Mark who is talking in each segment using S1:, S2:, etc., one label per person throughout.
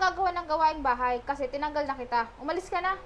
S1: gagawa ng gawaing bahay kasi tinanggal na kita. Umalis ka na.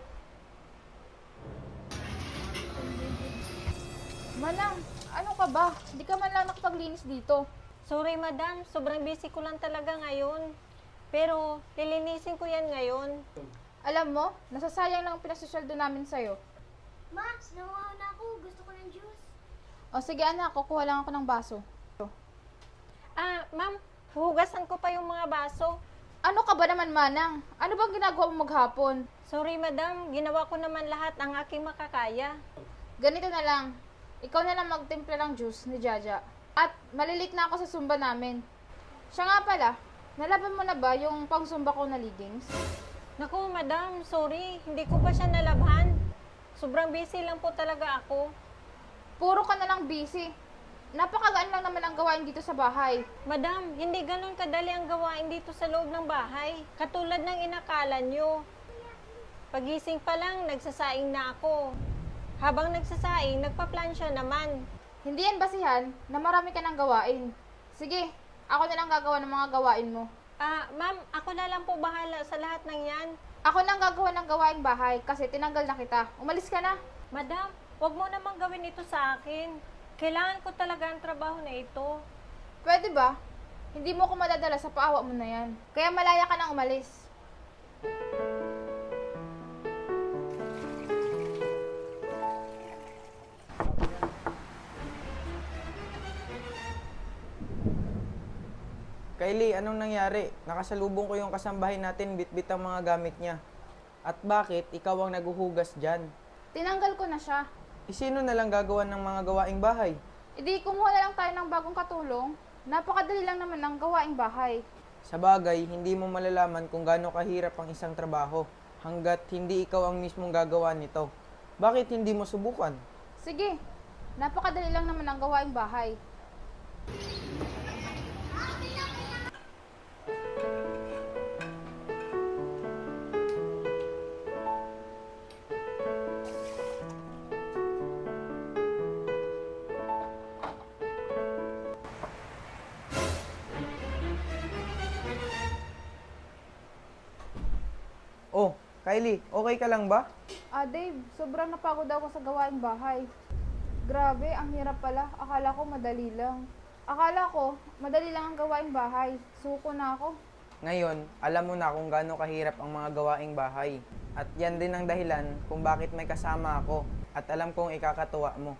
S1: Manang, ano ka ba? Hindi ka man lang nakapaglinis dito.
S2: Sorry madam, sobrang busy ko lang talaga ngayon. Pero lilinisin ko yan ngayon.
S1: Alam mo, nasasayang lang ang pinasosweldo namin sa'yo.
S3: Max, nakuha na ako. Gusto ko ng juice.
S1: O sige anak, kukuha lang ako ng baso.
S2: Ma'am, huhugasan ko pa yung mga baso.
S1: Ano ka ba naman, Manang? Ano bang ginagawa mo maghapon?
S2: Sorry madam, ginawa ko naman lahat ang aking makakaya.
S1: Ganito na lang. Ikaw na lang magtimpla ng juice ni Jaja. At malilit na ako sa sumba namin. Siya nga pala, nalaban mo na ba yung pang-sumba ko na leggings?
S2: Naku madam, sorry, hindi ko pa siya nalabhan. Sobrang busy lang po talaga ako.
S1: Puro ka na lang busy. Napakagaan lang naman ang gawain dito sa bahay.
S2: Madam, hindi ganun kadali ang gawain dito sa loob ng bahay. Katulad ng inakala nyo. Pagising pa lang, nagsasaing na ako. Habang nagsasaing, nagpa-plansya naman.
S1: Hindi yan basihan na marami ka ng gawain. Sige, ako na lang gagawa ng mga gawain mo.
S2: Ma'am, ako na lang po bahala sa lahat ng yan.
S1: Ako nang gagawa ng gawaing bahay kasi tinanggal na kita. Umalis ka na.
S2: Madam, wag mo namang gawin ito sa akin. Kailangan ko talaga ang trabaho na ito.
S1: Pwede ba? Hindi mo ko madadala sa paawa mo na yan. Kaya malaya ka nang umalis.
S4: Kylie, anong nangyari? Nakasalubong ko yung kasambahay natin, bitbit ang mga gamit niya. At bakit ikaw ang naguhugas dyan?
S1: Tinanggal ko na siya.
S4: Sino na lang gagawa ng mga gawaing bahay?
S1: Hindi, kumuha na lang tayo ng bagong katulong. Napakadali lang naman ng gawaing bahay.
S4: Sa bagay, hindi mo malalaman kung gaano kahirap ang isang trabaho hanggat hindi ikaw ang mismong gagawa nito. Bakit hindi mo subukan?
S1: Sige, napakadali lang naman ng gawaing bahay.
S4: Oh, Kylie, okay ka lang ba?
S1: Dave, sobrang napagod ako sa gawaing bahay. Grabe, ang hirap pala. Akala ko madali lang. Akala ko, madali lang ang gawaing bahay. Suko na ako.
S4: Ngayon, alam mo na kung gaano kahirap ang mga gawaing bahay. At yan din ang dahilan kung bakit may kasama ako at alam kong ikakatuwa mo.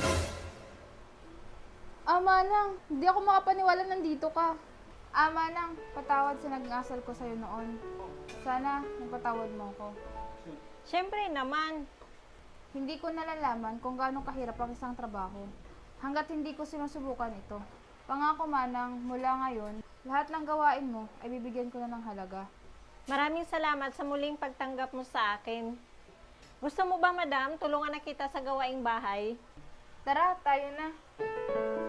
S1: Manang, hindi ako makapaniwala nandito ka. Manang, patawad sa nag-asal ko sa'yo noon. Sana, magpatawad mo ako.
S2: Siyempre naman.
S1: Hindi ko nalalaman kung gaano kahirap ang isang trabaho hanggat hindi ko sinusubukan ito. Pangako Manang, mula ngayon, lahat ng gawain mo ay bibigyan ko na ng halaga.
S2: Maraming salamat sa muling pagtanggap mo sa akin. Gusto mo ba madam, tulungan na kita sa gawaing bahay?
S1: Tara, tayo na.